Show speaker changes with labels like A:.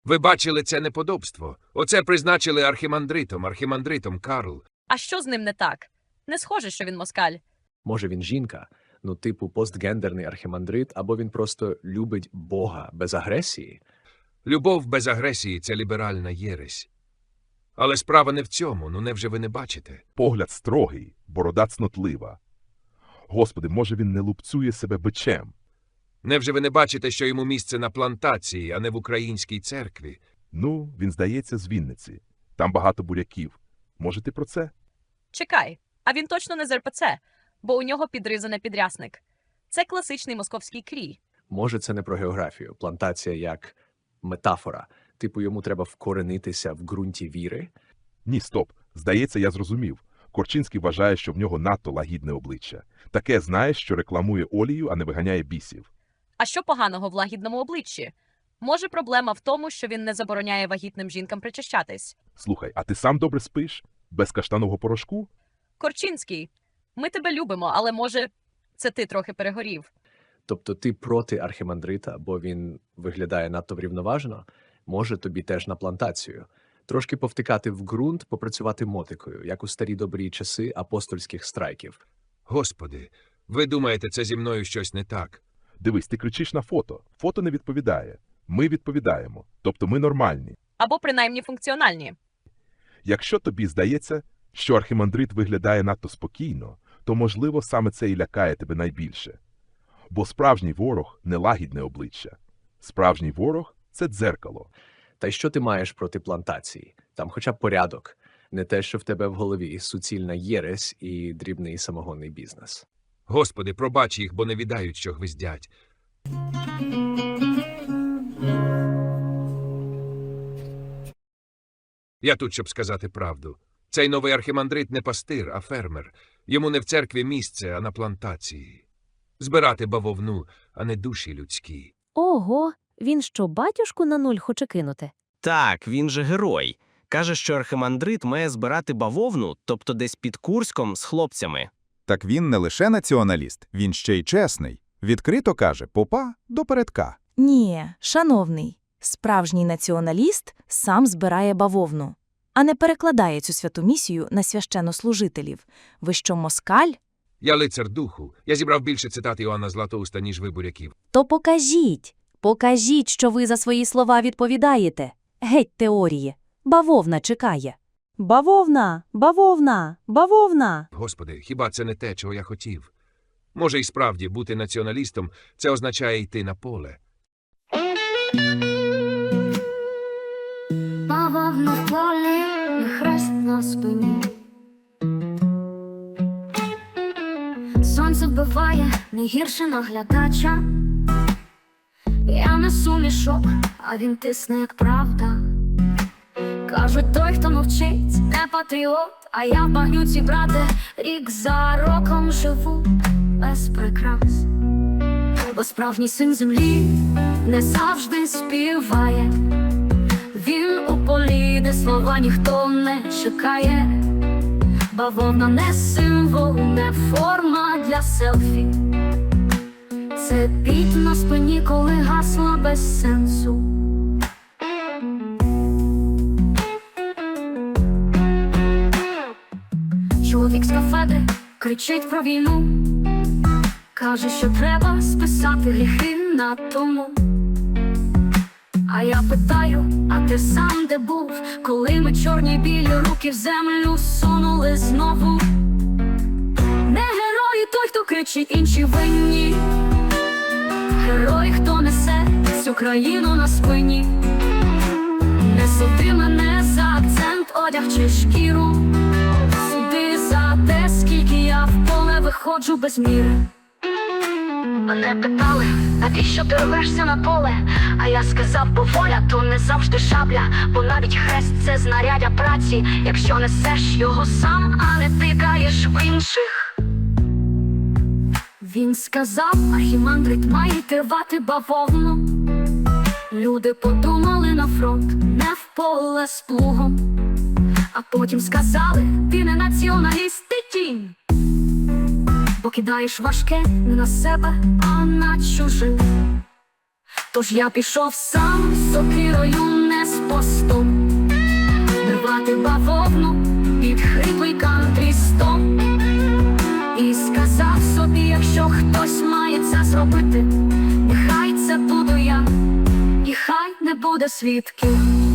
A: Ви бачили це неподобство? Оце призначили архімандритом Карл.
B: А що з ним не так? Не схоже, що він москаль.
C: Може, він жінка, ну типу постгендерний архімандрит, або він просто любить Бога без агресії?
A: Любов без агресії – це ліберальна єресь. Але справа не в цьому, ну невже ви не бачите?
D: Погляд строгий, борода цнотлива. Господи, може він не лупцює себе бичем?
A: Невже ви не бачите, що йому місце на плантації, а не в українській церкві?
D: Ну, він, здається, з Вінниці. Там багато буряків. Може, ти про це?
B: Чекай, а він точно не з РПЦ, бо у нього підризане підрясник. Це класичний московський крій.
C: Може, це не про географію. Плантація як метафора. Типу, йому треба вкоренитися в ґрунті віри?
D: Ні, стоп. Здається, я зрозумів. Корчинський вважає, що в нього надто лагідне обличчя. Таке, знаєш, що рекламує олію, а не виганяє бісів.
B: А що поганого в лагідному обличчі? Може, проблема в тому, що він не забороняє вагітним жінкам причащатись?
D: Слухай, а ти сам добре спиш? Без каштанового порошку?
B: Корчинський, ми тебе любимо, але, може, це ти трохи перегорів.
C: Тобто ти проти архімандрита, бо він виглядає надто врівноважено? Може, тобі теж на плантацію? Трошки повтикати в ґрунт, попрацювати мотикою, як у старі добрі часи апостольських страйків.
A: Господи, ви думаєте, це зі мною щось не так?
D: Дивись, ти кричиш на фото. Фото не відповідає. Ми відповідаємо. Тобто ми нормальні.
B: Або принаймні функціональні.
D: Якщо тобі здається, що архімандрит виглядає надто спокійно, то, можливо, саме це і лякає тебе найбільше. Бо справжній ворог – не лагідне обличчя. Справжній ворог – це дзеркало.
C: Та й що ти маєш проти плантації? Там хоча б порядок. Не те, що в тебе в голові суцільна єресь і дрібний самогонний бізнес.
A: Господи, пробач їх, бо не відають, що гвиздять. Я тут, щоб сказати правду. Цей новий архімандрит не пастир, а фермер. Йому не в церкві місце, а на плантації. Збирати бавовну, а не душі людські.
E: Ого, він що, батюшку на нуль хоче кинути?
F: Так, він же герой. Каже, що архимандрит має збирати бавовну, тобто десь під Курськом з хлопцями.
G: Так він не лише націоналіст, він ще й чесний. Відкрито каже попа до передка.
H: Ні, шановний, справжній націоналіст сам збирає бавовну, а не перекладає цю святу місію на священнослужителів. Ви що, москаль?
A: Я лицар духу. Я зібрав більше цитат Іоанна Златоуста, ніж ви буряків.
E: То покажіть, що ви за свої слова відповідаєте. Геть теорії. Бавовна чекає.
H: Бавовна, бавовна, бавовна.
A: Господи, хіба це не те, чого я хотів? Може, і справді, бути націоналістом – це означає йти на поле.
I: Бавовна в полі, і хрест на спині. Сонце вбиває не гірше наглядача. Я несу мішок, а він тисне, як правда. Кажуть, той, хто мовчить, не патріот, а я в багнюці, брате, рік за роком живу без прикрас. Бо справжній син землі не завжди співає. Він у полі, де слова ніхто не чекає. Бавовна не символ, не форма для селфі. Це піт на спині, коли гасла без сенсу. Чоловік з кафедри кричить про війну. Каже, що треба списати гріхи на тому. А я питаю, а ти сам де був, коли ми чорні білі руки в землю сунули знову? Не герої той, хто кричить, інші винні. Герой, хто несе всю країну на спині. Не суди мене за акцент, одяг чи шкіру. Суди за те, скільки я в поле виходжу без міри. Мене питали, навіщо ти рвешся на поле? А я сказав, бо воля то не завжди шабля. Бо навіть хрест це знаряддя праці, якщо несеш його сам, а не тикаєш в інших. Він сказав, архімандрит має рвати бавовну. Люди подумали на фронт, не в поле з плугом. А потім сказали, ти не націоналіст, ти тінь. Бо кидаєш важке не на себе, а на чужих. Тож я пішов сам з сокирою, не мостом, рвати бавовну під хриплий кантрістом. І сказав собі, якщо хтось має це зробити, нехай це буду я, і хай не буде свідків.